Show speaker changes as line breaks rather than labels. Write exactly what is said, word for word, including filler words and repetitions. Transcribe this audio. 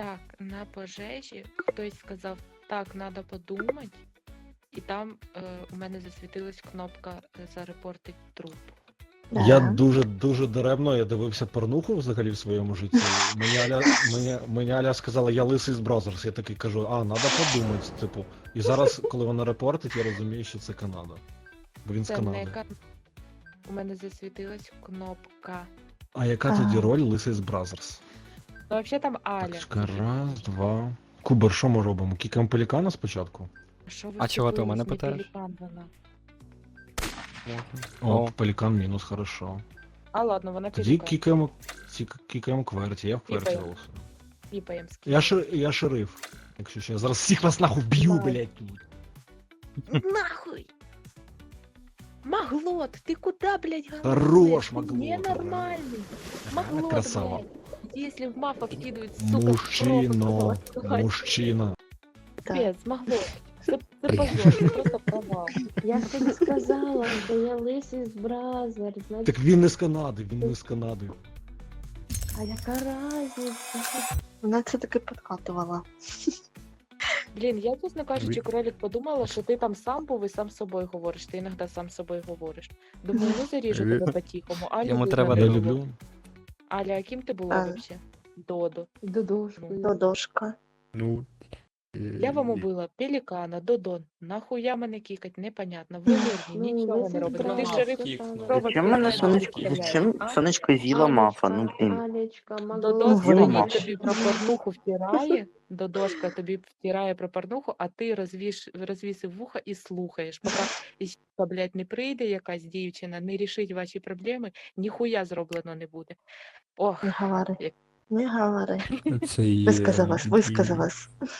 Так, на пожежі хтось сказав, так, треба подумати, і там е, у мене засвітилась кнопка е, зарепортить труп.
Я
Да.
дуже дуже даремно я дивився порнуху взагалі в своєму житті. Мені Аля, мені, мені Аля сказала, я лисий з Бразерс. Я такий кажу, а, треба подумати, типу. І зараз, коли вона репортить, я розумію, що це Канада. Бо він з
Це не
Канади.
кан... У мене засвітилась кнопка.
А яка
А.
тоді роль лисий з Бразерс?
Ну, взагалі там Аля.
Так, чекай, раз, два. Кубер, що ми робимо? Кікаємо пелікана спочатку?
Що ви
А чого ти у
вцепились?
мене
Не
питаєш?
пелікан вона.
О,
О.
пелікан мінус, хорошо.
А ладно, вона
Тоді
пелікан.
кікаємо, ці- кікаємо кверті, я в кверті
Кікаємо.
голосую.
Піпаєм з
Я, шер, я шериф. Якщо що, я зараз всіх вас нахуй вб'ю,
Давай.
блядь, тут.
Нахуй! Маглот, ты куда, блядь, голодный?
Хорош,
Ты
Маглот,
ненормальный. Маглот,
красава.
блядь. Если в мафа вкидывают, сука,
Мужчино,
просто,
мужчина.
Капец, Маглот. Це, це позор, це просто провал.
Я ж тобі сказала, що я лисий з Бразер, значить,
Так він не з Канади, він не з Канади.
а яка разниця? Вона це таки підкатувала.
Блін, я, чесно кажучи,
Ви-
кролик подумала, що ти там сам був і сам з собою говориш. Ти іноді сам з собою говориш. Думаю, ну заріжу
Ви-
тебе по-тихому. Аля,
Йому
видно,
треба
не
Я
було.
було.
люблю.
Аля, а ким ти була
А.
взагалі? Додо.
Додошкою. Додошка.
Ну.
Я вам убила пелікана, Додон. Нахуя мене кікать, непонятно. Ви мирні,
Ну,
нічого
ви
не робите. Ти
зібрали.
шериф.
Зачем
Робот
мене
пелікан
сонечко,
стріляє.
зачем
А?
сонечко з'їла мафа? Ну блін.
Алечка,
Додо
Маглот.
З'їла
стоїть
мафа.
тобі про порнуху втирає, Додошка тобі втирає про порнуху, а ти розвіш, розвісив вуха і слухаєш. Поки іща, блядь, не прийде якась дівчина, не рішить ваші проблеми, ніхуя зроблено не буде. Ох,
Не говори. Не говори.
Це є
Висказалась,
дебіль.
висказалась.